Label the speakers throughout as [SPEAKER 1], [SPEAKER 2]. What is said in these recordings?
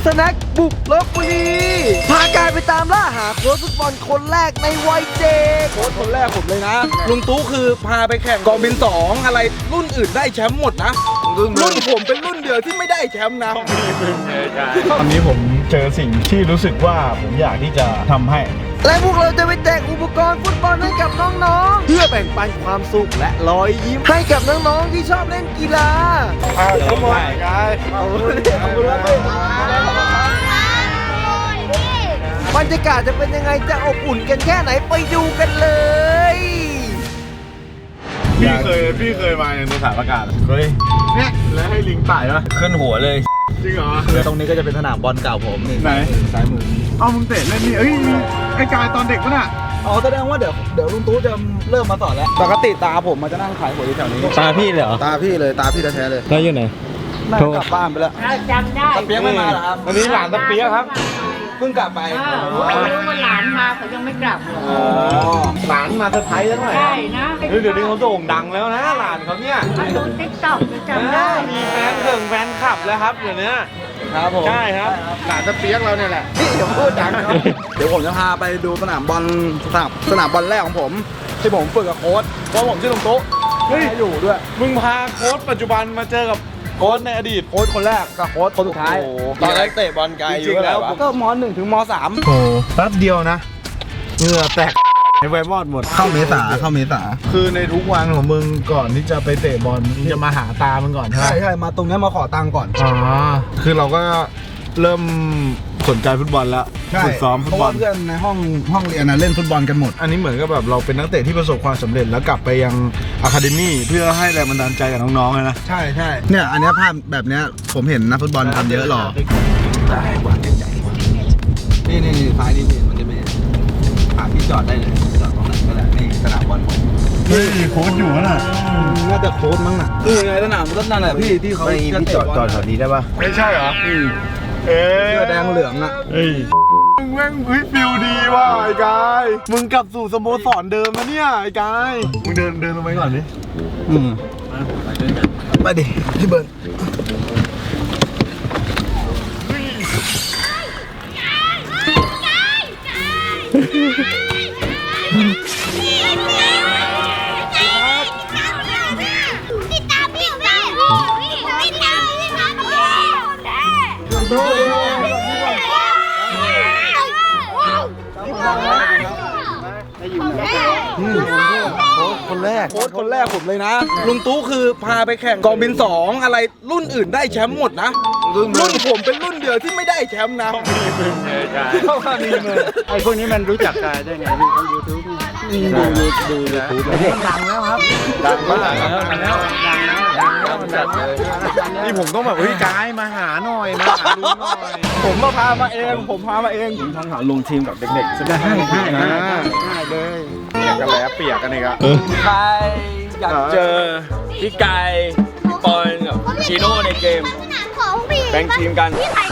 [SPEAKER 1] สแน็คบุกลพบุรีพากายไปตามล่าหาโค้ชฟุตบอลคนแรกในวัยเด็กโค้ชคนแรกผมเลยนะลุงตู้คือพาไปแข่งกองบิน2อะไรรุ่นอื่นได้แชมป์หมดนะรุ่นผมเป็นรุ่นเดียวที่ไม่ได้แชมป์นะ
[SPEAKER 2] ตอนนี้ผมเจอสิ่งที่รู้สึกว่าผมอยากที่จะทำให้
[SPEAKER 1] และพวกเราจะไปแจกอุปกรณ์ฟุตบอลให้กับน้องๆเพื่อแบ่งปันความสุขและรอยยิ้มให้กับน้องๆที่ชอบเล่นกีฬา
[SPEAKER 2] ทั้งหมดกาย
[SPEAKER 1] บรรยากาศจะเป็นยังไงจะอบอุ่นกันแค่ไหนไปดูกันเลย
[SPEAKER 2] พี่เคยมาในสถานประกาศเคยเนี่ยแล้วให้ลิงต่ายปะ
[SPEAKER 3] ขึ้นหัวเลย
[SPEAKER 2] จริงเหรอ
[SPEAKER 1] ตรงนี้ก็จะเป็นสนามบอลเก่าผมนี่
[SPEAKER 2] ไหน
[SPEAKER 1] ซ้ายมือ
[SPEAKER 2] เอามึงเตะเล่นนี่เอ้ยไอ้กายตอนเด็กปะน่ะ
[SPEAKER 1] อ๋อแสดงว่าเดี๋ยวลุงตู้จะเริ่มมาสอนแล้วปกติตาผมมันจะนั่งขายหวยอยู่แถวนี้
[SPEAKER 3] ตาพี่เลยเหรอ
[SPEAKER 1] ตาพี่เลยตาพี่แท้ๆเลย
[SPEAKER 3] แล้วอยู่ไหน
[SPEAKER 1] นั่งกลับบ้านไปแล้ว
[SPEAKER 4] จำได้
[SPEAKER 1] ตะเปียกไม่มาเหรอครับ
[SPEAKER 2] วันนี้หลานตะเปียกครับ
[SPEAKER 1] เพิ่งกลับไป
[SPEAKER 4] รู้ว่าหลานมาเขายังไม่กลับเลย
[SPEAKER 2] หลานมาเซอร์ไพรส์แล้วหน่อย
[SPEAKER 4] ใช่นะ
[SPEAKER 2] เดี๋ยวนี้เขาโด่งดังแล้วนะหลานเขาเนี่ย
[SPEAKER 4] ดูติ๊กต็อกจำได้
[SPEAKER 2] มีแฟนคลับแล้วครับเดี๋ยวนี้
[SPEAKER 1] ครับผม
[SPEAKER 2] ใช่ครับหลานตะเปียกเราเนี่ยแหละ
[SPEAKER 1] นี่เดี๋ยวพูดดังครับเดี๋ยวผมจะพาไปดูสนามบอลแรกของผมที่ผมฝึกกับโค้ชเพราะผมชื่อลุงตู้อยู่ด้วย
[SPEAKER 2] มึงพาโค้ชปัจจุบันมาเจอกับโค้ชในอดีต
[SPEAKER 1] โค้ชคนแรกกับโค้ชคนสุดท้าย
[SPEAKER 3] ตอนแรกเตะบอลไกลอยู่แล้ว
[SPEAKER 1] ก็ม.1 ถึงม.3
[SPEAKER 2] โอ้แป๊บเดียวนะเหงื่อแตกไอ้ไวบอดหมด
[SPEAKER 1] เข้าเมษา
[SPEAKER 2] คือในทุกวันของมึงก่อนที่จะไปเตะบอลมึงจะมาหาตามึงก่อนใช่ไหม
[SPEAKER 1] ใช่มาตรงนี้มาขอตังค์ก่อน
[SPEAKER 2] อ๋อคือเราก็เริ่มสนใจฟุตบอลแล้วฝึกซ้อมฟุตบอล
[SPEAKER 1] เพื่อนในห้องเรียนนะเล่นฟุตบอลกันหมด
[SPEAKER 2] อันนี้เหมือนกับแบบเราเป็นนักเตะที่ประสบความสำเร็จแล้วกลับไปยังอะคาเดมี่เพื่อให้แรงบันดาลใจกับน้องๆเลยนะ
[SPEAKER 1] ใช่เนี่ยอันนี้ภาพแบบเนี้ยผมเห็นนักฟุตบอลทำเยอะหรอนี่ซ้ายนี่มันจะเป็นพี่จอดได้เลยจอดตรงไหนก็ได้นี่สนามบอลผม
[SPEAKER 2] เฮ้ยโค้ชอยู่น่ะ
[SPEAKER 1] น่าจะโค้ชมั้งน่ะไงสนามก็นั่นแหละพี่ที่เขา
[SPEAKER 2] พี่จอดแถวนี้ได้ปะไม่ใช่เหรอเสื้
[SPEAKER 1] อแดงเหลืองอ่ะ
[SPEAKER 2] มึงแม่งฟิลดีว่ะไอ้กายมึงกลับสู่สโมสรเดิมแล้วเนี่ยไอ้กายมึงเดินลงไปก่อนดิ
[SPEAKER 1] ไปดิพี่เบิร์นโค้ชคนแรกผมเลยนะลุงตู้คือพาไปแข่งกองบิน2อะไรรุ่นอื่นได้แชมป์หมดนะรุ่นผมเป็นรุ่นเดียวที่ไม่ได้แชมป์นะ
[SPEAKER 2] เข้ามาดีเลยไอ้พวกนี้มันรู้จักกันได้ไงพี่เขายูทูบดู
[SPEAKER 1] ดังแล้วครับ
[SPEAKER 2] ดังแล้วนี่ผมต้องแบบกายมาหาหน่อยมาหาลุงหน่อย
[SPEAKER 1] ผมพามาเองผมทั้งหาลงทีมกับเด็กๆได้
[SPEAKER 2] เลยอยากกันแล้วเปียกกันอีกอะ
[SPEAKER 3] ใครอยากเจอพี่ไก่พี่ปอนกับชิโน่ในเกมแบ่งทีมกัน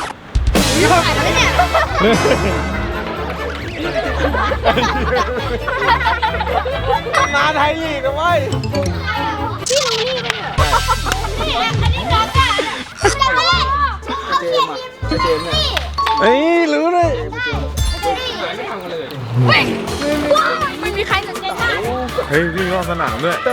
[SPEAKER 1] มาไทยลีกกันไว้
[SPEAKER 4] พี่รู้นี่ไหมเนี่ยอันนี้น้องอ่ะเขาเขียนทีมนี่
[SPEAKER 1] เฮ้ยรู้เลย
[SPEAKER 4] ไม่มีใครสนใจมาก
[SPEAKER 2] เฮ้ยวิ่งรอบสนามด้วย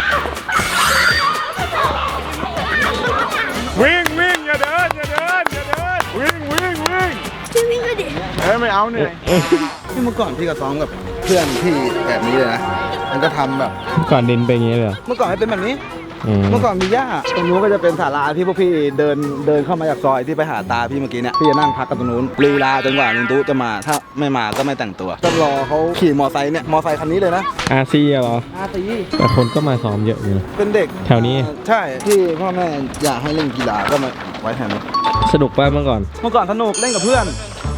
[SPEAKER 2] วิ่งอย่าเดินวิ่ง
[SPEAKER 4] พี่วิ่งเลยดิ
[SPEAKER 2] ไม่เอาเนี่ย
[SPEAKER 1] ที่เมื่อก่อนพี่ก็ซ้อมกับเพื่อนพี่แบบนี้เลยนะมันก็ทำแบบ
[SPEAKER 3] ก่อนดินเป็นอย่างนี้เลย
[SPEAKER 1] เมื่อก่อนให้เป็นแบบนี้เมื่อก่อนมีหญ้าตรงนู้นก็จะเป็นศาลาที่พวกพี่เดินเข้ามาจากซอยที่ไปหาตาพี่เมื่อกี้เนี่ยพี่จะนั่งพักกันตรงนู้นลีลาจนกว่าลุงตู้จะมาถ้าไม่มาก็ไม่แต่งตัวต้องรอเขาขี่มอไซค์เนี่ยมอไซค์คันนี้เลยนะ
[SPEAKER 3] RCเหรอ
[SPEAKER 1] RC
[SPEAKER 3] แต่คนก็มาซ้อมเยอะอยู่
[SPEAKER 1] เป็นเด็ก
[SPEAKER 3] แถวนี้
[SPEAKER 1] ใช่ที่พ่อแม่อยากให้เล่นกีฬาก็มาไว้แถวนี้
[SPEAKER 3] สนุกป่ะเมื่อก่อน
[SPEAKER 1] สนุกเล่นกับเพื่อน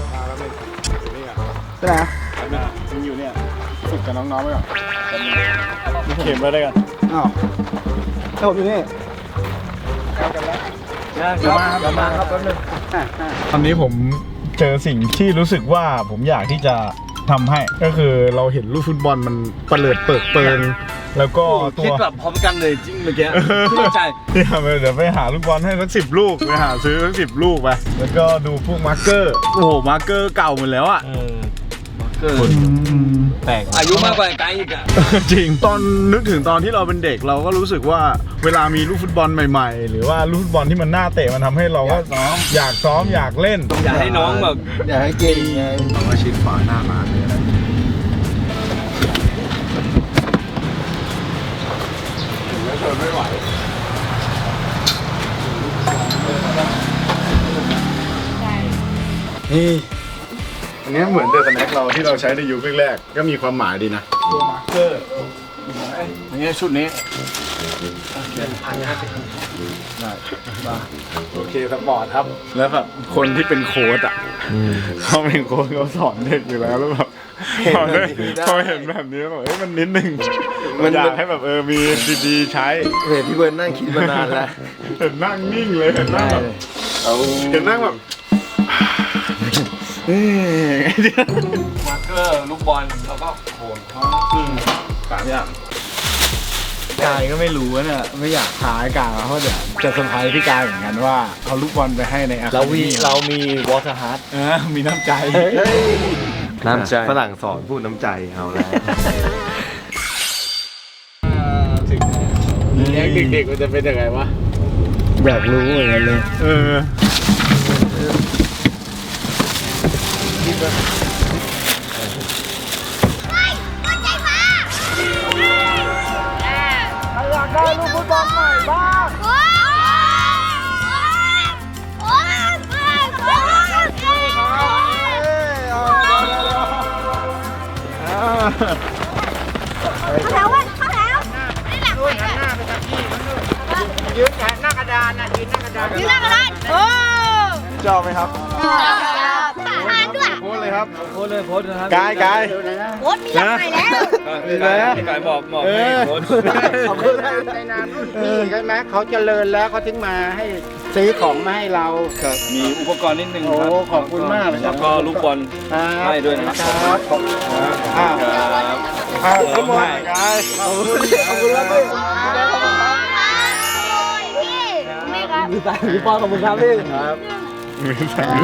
[SPEAKER 1] ใช่ไหม
[SPEAKER 2] มึงอยู่เนี่ยฝึกกับน้องๆไปก่อนเข็มไปได้กัน
[SPEAKER 1] อ้าวแล้วผมอยู่นี่
[SPEAKER 2] จะมาครับแป๊บนึงตอนนี้ผมเจอสิ่งที่รู้สึกว่าผมอยากที่จะทำให้ก็คือเราเห็นลูกฟุตบอลมันเปลิดเปิดเปิงแล้วก็ตัว
[SPEAKER 3] คิดแบบพร้อมกันเลยจริงเมื่อกี้เข้าใจ
[SPEAKER 2] เนี่ยเดี๋ยวไปหาลูกบอลให้สัก10 ลูกไปหาซื้อสัก10 ลูกไปแล้วก็ดูพวกมาร์กเกอร์โอ้โหมาร์กเกอร์เก่าหมดแล้วอ่ะ
[SPEAKER 3] แปลกอายุมากกว่าไกด์อีกอะ
[SPEAKER 2] จริงตอนนึกถึงตอนที่เราเป็นเด็กเราก็รู้สึกว่าเวลามีลูกฟุตบอลใหม่ๆ หรือว่าลูกฟุตบอลที่มันน่าเตะมันทำให้เราก็อยากซ้อมอยากเล่น
[SPEAKER 3] อยากให้น้องแบบ
[SPEAKER 1] อยากให้เก่งไง
[SPEAKER 2] มาชิดฝาหน้าร้านเลยนะไม่ไหวนี่อันนี้เหมือนเดอะสแน็คเราที่เราใช้ในยุคแรกๆก็มีความหมายดีนะตัวมาร์คเกอร์
[SPEAKER 3] อย่างเงี้ยชุดนี้
[SPEAKER 2] โอเคสปอร์ตครับ แล้วแบบคนที่เป็นโค้ชอ่ะเขาเป็นโค้ชเขาสอนเด็กอยู่แล้วแล้วแบบพอเห็นแบบนี้แบบมันนิดนึงมันอยากให้แบบมีดีๆใช้
[SPEAKER 1] เห็นพี่เบิร์นนั่งคิดมานานแล้ว
[SPEAKER 2] เห็นนั่งนิ่งเลยเห็นนั่งแบบเห็นนั่งแบบ
[SPEAKER 3] มาร์เกอร์ลูกบอลแล้วก็โขน3 อย่าง
[SPEAKER 2] กายก็ไม่รู้นะเนี่ยไม่อยากท้ายกายเพราะเดี๋ยวจะเซอร์ไพรส์พี่กายเหมือนกันว่าเอาลูกบอลไปให้ในอาคา
[SPEAKER 1] เรามีวอเตอร์ฮาร์ด
[SPEAKER 2] มีน้ำใจ
[SPEAKER 3] น้ำใจ
[SPEAKER 1] ฝรั่งสอนพูดน้ำใจเอาแล้ว
[SPEAKER 2] เลี้ยงเด็กๆมันจะเป็นยังไงวะ
[SPEAKER 1] อยากรู้เหมือนกันเลย
[SPEAKER 4] อยากได้ลูกฟุตบอลใหม่บ้างโอ้เข้าแล้วเข้าแล้วนี่แหละยืนหน้ากระดานนะยืนหน้ากระดานโอ้
[SPEAKER 2] ชอบไหมครับ
[SPEAKER 4] ทานด้วย
[SPEAKER 2] โพสเลยครับ
[SPEAKER 3] โพสเลยโพสนะครับ
[SPEAKER 2] กาย
[SPEAKER 4] โค้ดมีหลักใหม่แล้ว
[SPEAKER 3] พี่กายบอกให้โพส
[SPEAKER 5] ในนามรุ่นพี่ใช่ไหมเขาเจริญแล้วเขาถึงมาให้ซื้อของมาให้เรา
[SPEAKER 3] มีอุปกรณ์นิดนึง
[SPEAKER 5] โอ้
[SPEAKER 3] ครับ
[SPEAKER 5] ขอบคุณมากเลยค
[SPEAKER 3] แล้
[SPEAKER 5] รับ
[SPEAKER 3] วก็ลูกบอล ให้ด้วยนะครับ
[SPEAKER 5] ครับอ้าว
[SPEAKER 3] ครับ
[SPEAKER 2] ขอบคุณกายขอบคุณครับพี่
[SPEAKER 1] มีสายมีปอนขอบคุณครับพี่
[SPEAKER 2] ครับมีแสง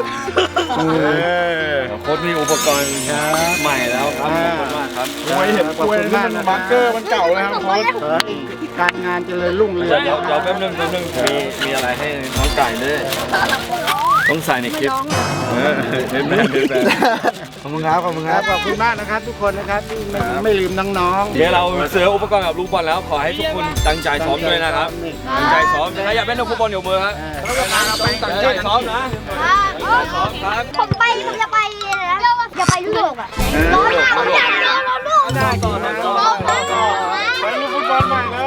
[SPEAKER 3] โค้ชมีอุปกรณ์ใหม่แล้วครับขอบคุณมากครับ
[SPEAKER 2] ไม่เห็นกล้วยที่มันมาร์กเกอร์มันเก่าเลยครับโค้ช
[SPEAKER 5] ขอให้การงานเจริญรุ่งเรือง
[SPEAKER 3] เดี๋ยวแป๊บนึงมีอะไรให้น้องไก่ด้วยต้องใส่ในคลิปเห็นไหม
[SPEAKER 1] ขอบคุณครับขอบคุณครับ
[SPEAKER 5] ขอบคุณมากนะครับ ทุกคนนะครับที่ไม่ลืมน้องๆ
[SPEAKER 3] เดี๋ยวเราเสืออุปกรณ์กับลูกบอลแล้วขอให้ทุกคนตั้งใจซ้อมด้วยนะครับตั้งใจซ้อมถ้าอยากเป็นนักฟุตบอลอยู่มือครับตั้งใจซ้อมนะซ้อมครับ
[SPEAKER 4] ผมจะไปนะอย่าไปยุโรปอ่ะร้อนมากผมอยากเจอเราลูก
[SPEAKER 3] ต่อ
[SPEAKER 2] ไปลูกฟุตบอลใหม่เลย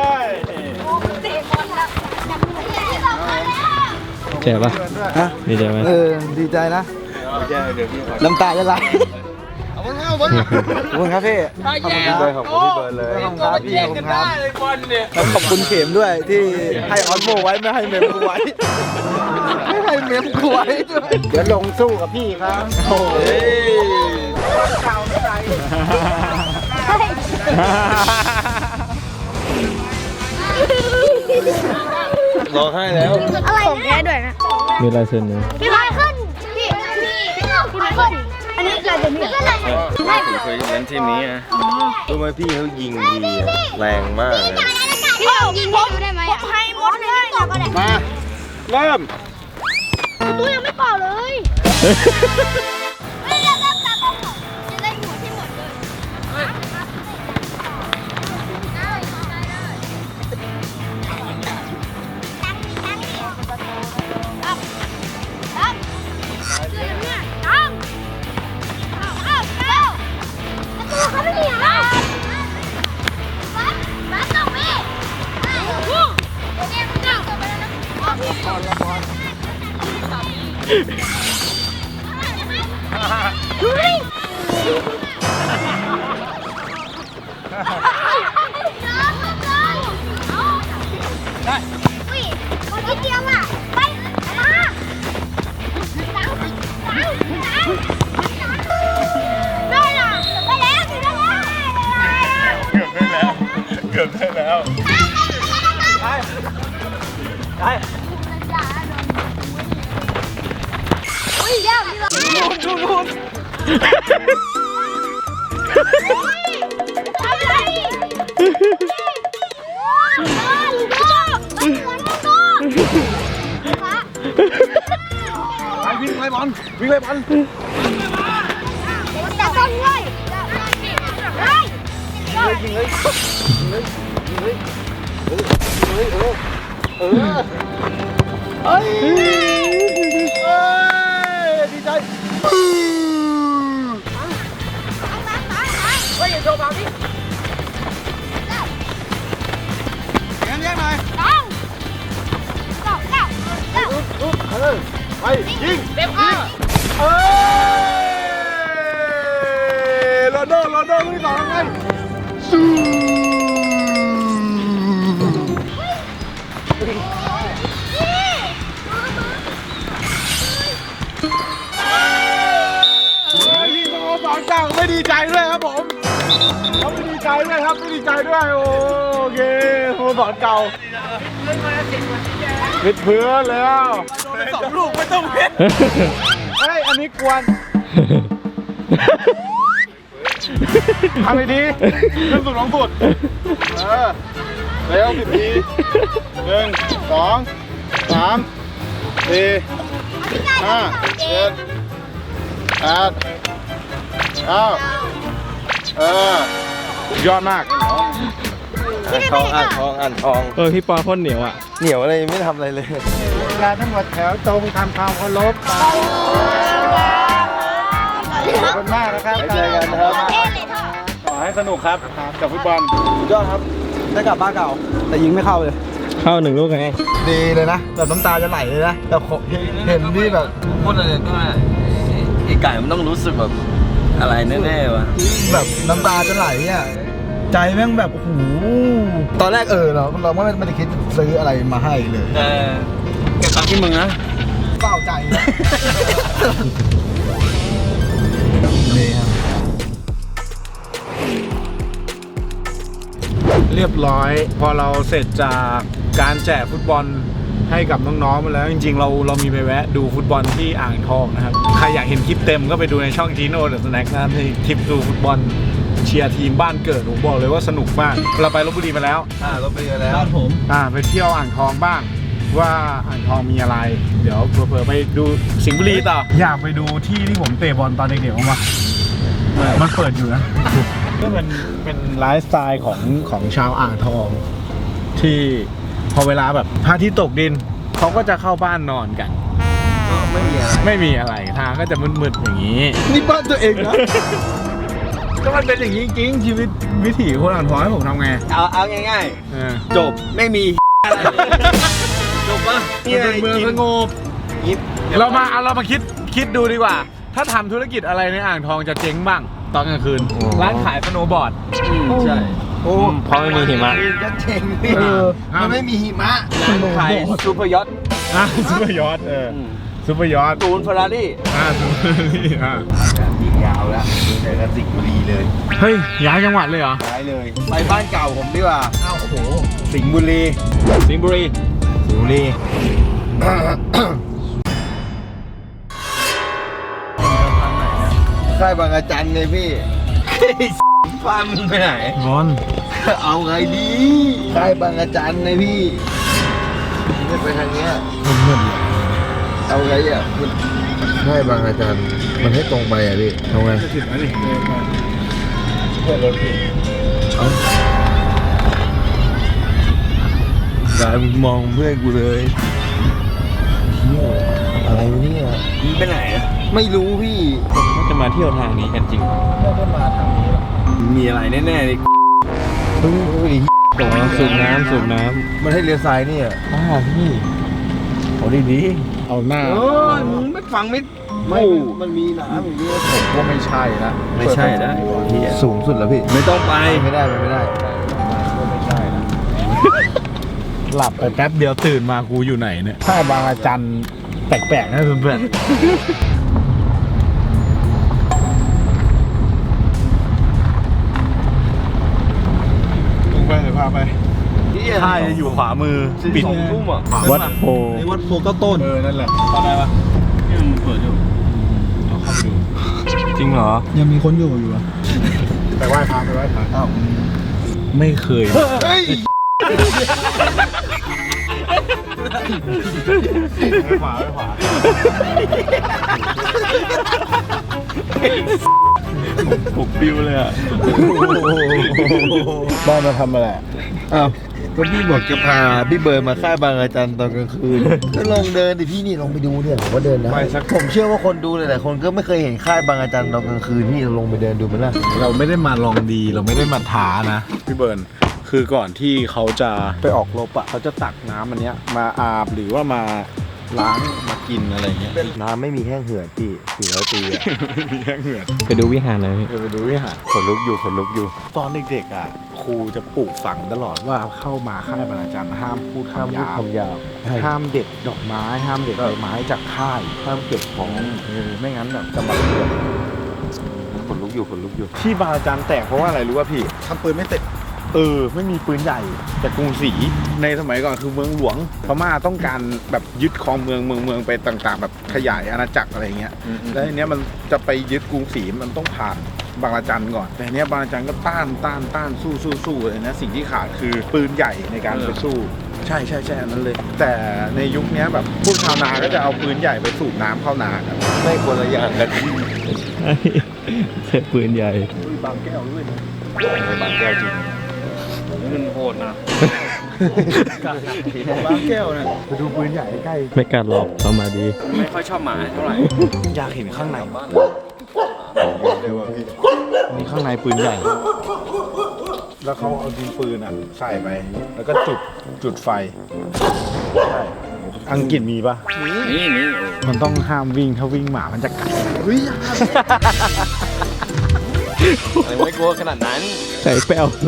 [SPEAKER 6] เจ็บปะดีใจไหม
[SPEAKER 1] ดีใจนะ น้ำตาจะไหลขอบคุณครับพี่ขอบคุณครับขอบคุณพี่เบิร์ดเลยขอบคุณครับพี่ขอบคุณครับแล้วขอบคุณเข็มด้วยที่ให้ออสโมไว้ไม่ให้เมมกูไว้ไม่ให้เมมกูไว้ด้วย
[SPEAKER 5] เดี๋ยวลงสู้กับพี่ครับ
[SPEAKER 1] โอ้ยร้องไห้แล้ว
[SPEAKER 4] อะไรแก้ด้วยนะ
[SPEAKER 6] มีลายเซ็นไหม
[SPEAKER 4] พี่ไมเคิลพี่ไมเคิลอันนี้ลายเซ็นพี่อะไร
[SPEAKER 3] ผมเคยเล่นทีมนี้นะ
[SPEAKER 1] รู้ไหมพี่เขายิงดีแรงมากเลย
[SPEAKER 4] พี่ยิงผมได้ไหมผมให้หมดเลยต่อก็ได้
[SPEAKER 2] มาเริ่ม
[SPEAKER 4] ตู้ยังไม่เป่าเลยไม่เริ่มจากของจะได้หัวที่หมดเลยเขาไม่มีอ่ะมาต่อไปดูดิได้อุ้ยคนที่เดียวอ่ะไปมาได้ล่ะได้แล้วได้แล้ว
[SPEAKER 2] เกือบได้แล้วเกือบได้แล้ว
[SPEAKER 4] อุ้ยเดี๋ยวมีรถดูทำอะไร
[SPEAKER 1] ไปวิ่งไล่บอลวิ่งไล่บอล
[SPEAKER 4] จับต้นเลยเฮ้ย
[SPEAKER 1] ยิงเลยดีใจเฮ้ยโชว์บอลดิงั้นแยกหน่อยไปยิงเต็มข้างโรนัลโดลูกที่สองไงยิงสโมสรเก่าไม่ดีใจด้วยครับผมเขาไม่ดีใจด้วยครับไม่ดีใจด้วยโอเคสโมสรเก่าปิดเพื่อนแล้วสองลูกไม่ต้องเพ็ดเฮ้ยอันนี้กวนทำไปดีขึ้นสุดลงสุดเร็ว10 ที 1 2 3 4 5 7 8 9ยอดมาก
[SPEAKER 6] อ่านทองพี่ปอพ่นเหนียวอ่ะ เหนียวอะไรไม่ทำอะไรเลย
[SPEAKER 5] เวลาทั้งหมดแถวตรงทำความเคารพขอบคุณมากนะครับ
[SPEAKER 1] เจอกันนะครับ
[SPEAKER 2] ขอให้สนุกครับกับฟุตบอล
[SPEAKER 1] สุดยอดครับ ได้กลับบ้านเก่า แต่ยิงไม่เข้าเลย
[SPEAKER 6] เข้า1 ลูกไง
[SPEAKER 1] ดีเลยนะแบบน้ำตาจะไหลเลยนะ แต่เห็นที่แบบ
[SPEAKER 3] พูดอะไรก็ไอ้ไก่มันต้องรู้สึกแบบอะไรแน่ๆวะ
[SPEAKER 1] แบบน้ำตาจะไหลอ่ะ ใจแม่งแบบโอ้โหตอนแรกเราไม่ได้คิดซื้ออะไรมาให้เลย
[SPEAKER 3] เก็บตังค์ที่มึงนะ
[SPEAKER 1] เฝ้าใจนะนี่ครับ
[SPEAKER 2] เรียบร้อยพอเราเสร็จจากการแจกฟุตบอลให้กับน้องๆมาแล้วจริงๆเรามีไปแวะดูฟุตบอลที่อ่างทองนะครับใครอยากเห็นคลิปเต็มก็ไปดูในช่อง Gino The Snack นะครับในคลิปดูฟุตบอลเชียร์ทีมบ้านเกิดผมบอกเลยว่าสนุกมากเราไปลพบุรีมาแล้ว
[SPEAKER 1] รถไปกันแล้วผม
[SPEAKER 2] ไปเที่ยวอ่างทองบ้างว่าอ่างทองมีอะไร เดี๋ยวเผื่อๆไปดูสิงห์บุรีต่ออยากไปดูที่ที่ผมเตะบอลตอนเด็กๆมั้งมันเปิดอยู่นะก็เป็นไลฟ์สไตล์ของชาวอ่างทองที่พอเวลาแบบพระอาทิตย์ตกดินเขาก็จะเข้าบ้านนอนกันไม่มีอะไรทางก็จะมืดๆอย่างนี้
[SPEAKER 1] นี่บ้านตัวเองนะ
[SPEAKER 2] ก็มันเป็นอย่างนี้จริงชีวิตวิถีคนอ่างทองให้ผมทำไง
[SPEAKER 3] เอาง่าย
[SPEAKER 2] เออ
[SPEAKER 3] ๆจบไม่มีอะไรจบปะ
[SPEAKER 2] มันเป็นเมืองสงบเรามาคิดดูดีกว่า ถ้าทำธุรกิจอะไรในอ่างทองจะเจ๊งบ้างตอนกลางคืน ร้านขายสโนว์บอร์ด
[SPEAKER 3] ใช่
[SPEAKER 1] โอ้
[SPEAKER 6] เพราะไม่มีหิมะ
[SPEAKER 1] ก็เจ๋งพี่มันไม่มีหิมะ
[SPEAKER 3] ร้านขายซูเปอร์ยอท
[SPEAKER 2] ซูเปอร์ยอทซูเปอร์ยอท
[SPEAKER 3] ตูนเฟอร์รารี่
[SPEAKER 2] ซูเปอร์นี่
[SPEAKER 1] ยิงยาวแล้วแต่ก็สิงห์บุรีเลย
[SPEAKER 2] เฮ้ยย้ายจังหวัดเลยเหรอ
[SPEAKER 1] ย้ายเลย ไปบ้านเก่าผมดีกว่าอ้าวโอ้โหสิงห์บุรี
[SPEAKER 6] สิงห์บุรี
[SPEAKER 1] สิงห์บุรี ค่ายบางอาจันเลยพี่ฟาร์มมึงไปไหน
[SPEAKER 2] บอล
[SPEAKER 1] เอาไงดีค่ายบางอาจันเลยพี่ไม่ไปทางเนี้ยเอาไงอ่ะค่ายบางอาจันมันให้ตรงไปอ่ะพี่เอาไง
[SPEAKER 2] จะถึงแล้วนี่
[SPEAKER 1] เพื่อนรถพี่กายมึงมองเพื่อนกูเลยอะไรวะเนี่ย
[SPEAKER 3] มึงไปไหนอะ
[SPEAKER 1] ไม่รู้พี่
[SPEAKER 6] ก็จะมาเที่ยวทางนี้กันจริง
[SPEAKER 1] ไม่ได้มาทางนี้หรอก
[SPEAKER 3] มีอะไรแน่ๆเลย
[SPEAKER 1] เฮ้ย
[SPEAKER 6] สูบน้ำ
[SPEAKER 1] มันให้เลี้ยวซ้ายนี่อ่ะพี่โอ้ดี
[SPEAKER 2] เอาหน้า
[SPEAKER 3] เออมึงไม่ฟังไม่
[SPEAKER 1] ไม่มันมีน้ำอย่างนี้
[SPEAKER 2] ผมว่าไม่ใช่ละ
[SPEAKER 3] ไม่ใช่นะ
[SPEAKER 1] สูงสุดแล้วพี่
[SPEAKER 3] ไม่ต้องไป
[SPEAKER 1] ไม่ได้ไม่ได้
[SPEAKER 2] ไม่ใช่ละหลับไปแป๊บเดียวตื่นมากูอยู่ไหนเนี่ยค่ายบางอาจันแปลกๆนะเพื่อนๆพาไปค่ายอยู่ขวามือปิด
[SPEAKER 3] 2 ทุ่มอ่ะ
[SPEAKER 2] วัดโพ
[SPEAKER 6] ในวัดโพก็ต้น
[SPEAKER 2] นั่นแหละ
[SPEAKER 3] เข้าได้ปะนี่มันเปิดอยู่เอาเข้าไปดู
[SPEAKER 2] จริงเหรอ
[SPEAKER 6] ยังมีคนอยู่อ่ะ
[SPEAKER 2] ไปไหว้พระไปไหว้พระ
[SPEAKER 6] อ้าว
[SPEAKER 2] ไม่เคย
[SPEAKER 6] เฮ้ย
[SPEAKER 2] ไปขวาไปขวาปลุกบิวเลยอ่ะบ้านมาทำอะไร
[SPEAKER 6] อ้าวก็พี่บอกจะพาพี่เบิร์ดมาค่ายบางอาจารย์ตอนกลางคืน ก็ลองเดินดิพี่นี่ลองไปดูเนี่ยผมว่าเดินนะผมเชื่อว่าคนดูหลายๆคนก็ไม่เคยเห็นค่ายบางอาจารย์ตอนกลางคืนพี่ลองไปเดินดูไหมล่ะ
[SPEAKER 2] เราไม่ได้มาลองดีเราไม่ได้มาท้านะพี่เบิร์นคือก่อนที่เขาจะไปออกรบอ่ะเขาจะตักน้ำอันเนี้ยมาอาบหรือว่ามาล้างมากินอะไรเงี้ย
[SPEAKER 6] น้ำไม่มีแห้งเหือดพี่400 ปีอะ
[SPEAKER 2] ไม่มีแห้งเหงื่อ
[SPEAKER 7] ไปดูวิหารหน่อยพี่
[SPEAKER 2] ไปดูวิหารขนลุกอยู่ขนลุกอยู่ ตอนเด็กๆอ่ะครูจะปลูกฝังตลอดว่าเข้ามาค่ายบรรณาจารย์ห้ามพูด
[SPEAKER 6] ห้ามพูดคำหยาบ
[SPEAKER 2] ห้ามเด็ดดอกไม้ห้ามเด็ดใบไม้จากค่ายห้ามเก็บของไม่งั้นแบบจะมาเรียน
[SPEAKER 6] ขนลุกอยู่ขนลุกอยู่
[SPEAKER 2] ที่บรรณาจารย์แตกเพราะว่าอะไรรู้ป่ะพี่
[SPEAKER 6] ทำปืนไม่เสร็จ
[SPEAKER 2] ไม่มีปืนใหญ่แต่กรุงศรีในสมัยก่อนคือเมืองหลวงพม่าต้องการแบบยึดครองเมืองไปต่างๆ แบบขยายอาณาจักรอะไรเงี้ยแล้วทีเนี้ยมันจะไปยึดกรุงศรีมันต้องผ่านบางระจันก่อนแต่เนี้ยบางระจันก็ต้านสู้เลยนะสิ่งที่ขาดคือปืนใหญ่ในการไปสู้ใช่อันนั้นเลย แต่ในยุคนี้แบบพวกชาวนาก็จะเอาปืนใหญ่ไปสูบน้ำเข้านากัน
[SPEAKER 6] ไม่คนละอย่างกัน
[SPEAKER 7] ใช้ปืนใหญ่
[SPEAKER 2] บางแก้วด้วยนะ
[SPEAKER 6] บางแก้วจริง
[SPEAKER 3] มันโหดนะ
[SPEAKER 2] บางแก้วนะไปดูปืนใหญ่ใกล้
[SPEAKER 7] ไม่กัดหรอกเข้ามาดี
[SPEAKER 3] ไม่ค่อยชอบหมาเท่าไหร่
[SPEAKER 2] อยากเห็นข้างในมีข้างในปืนใหญ่ แล้วเขาเอาดินปืนอ่ะใส่ไป แล้วก็จุดไฟใช่อังกฤษมีปะ
[SPEAKER 3] นี่
[SPEAKER 2] มันต้องห้ามวิ่งถ้าวิ่งหมามันจะกัด
[SPEAKER 3] ไม่กลัวขนาดนั้น
[SPEAKER 7] ใส่แป้วเลย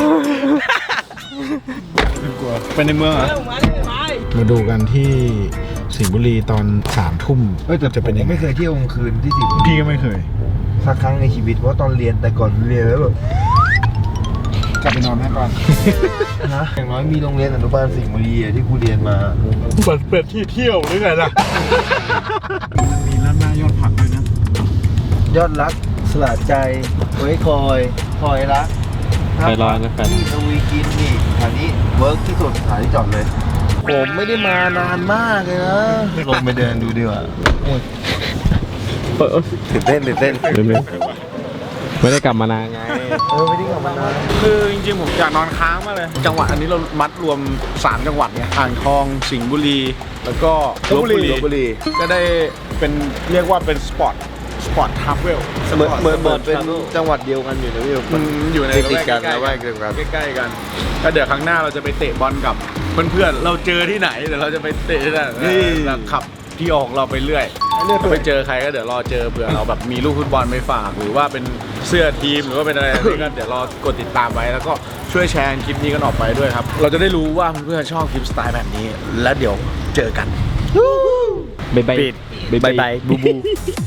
[SPEAKER 2] กลัวไปในเมืองเหรอมาดูกันที่สิงห์บุรีตอน3 ทุ่มแต่จะเป็นยังไง
[SPEAKER 6] ไม่เคยเที่ยวกลางคืนที่สิงห์บุรี
[SPEAKER 2] พี่ก็ไม่เคย
[SPEAKER 6] สักครั้งในชีวิตเพราะตอนเรียนแต่ก่อนเรียนแล้วแบบ
[SPEAKER 2] กลับไปนอนให้ก่อน
[SPEAKER 6] นะอย่างน้อยมีโรงเรียนอนุบาลสิงห์บุรีอะที่กูเรียนมา
[SPEAKER 2] เปิดเป็นที่เที่ยวหรือไงล่ะ มีร้านหน้ายอดผักด้วยนะ
[SPEAKER 6] ยอดรักสละใจไว้คอยรัก
[SPEAKER 7] ไปรอนะแฟน
[SPEAKER 6] ที่ทวีกินนี่สถานีเวิร์กที่สุดสถานีจอดเลย ผมไม่ได้มานานมากเลยนะลงไปเดินดูดีกว่าตื่นเต้น
[SPEAKER 7] เดี๋ยวไม่ได้กลับมานานไง
[SPEAKER 6] ไม่ได้กลับมานาน
[SPEAKER 2] คือจริงๆผมอยากนอนค้างมากเลย จังหวัดอันนี้เรามัดรวม3 จังหวัดไงอ่างทองสิงห์บุรี แล้วก็ลพบุรีก็ได้เป็นเรียกว่าเป็นสปอร์ตทราเวล
[SPEAKER 6] เหมือนเป็นจังหวัดเดียวกันอยู่นะพี่
[SPEAKER 2] มันอยู่ใน
[SPEAKER 6] ติดกัน
[SPEAKER 2] ใกล้
[SPEAKER 6] นะ
[SPEAKER 2] ๆ
[SPEAKER 6] ว่าเดียวกัน
[SPEAKER 2] ใกล้ๆกันก็เดี๋ยวครั้งหน้าเราจะไปเตะบอลกับเพื่อนๆเราเจอที่ไหนเดี๋ยวเราจะไปเตะที่นั่นแล้วขับที่ออกเราไปเรื่อยไปเจอใครก็เดี๋ยวรอเจอเผื่อเราแบบมีลูกฟุตบอลไปฝากหรือว่าเป็นเสื้อทีมหรือว่าเป็นอะไรนี่ก็เดี๋ยวรอกดติดตามไว้แล้วก็ช่วยแชร์คลิปนี้กันออกไปด้วยครับเราจะได้รู้ว่าเพื่อนๆชอบคลิปสไตล์แบบนี้แล้วเดี๋ยวเจอกัน
[SPEAKER 7] บ๊ายบาย
[SPEAKER 2] บ๊ายบายบูบู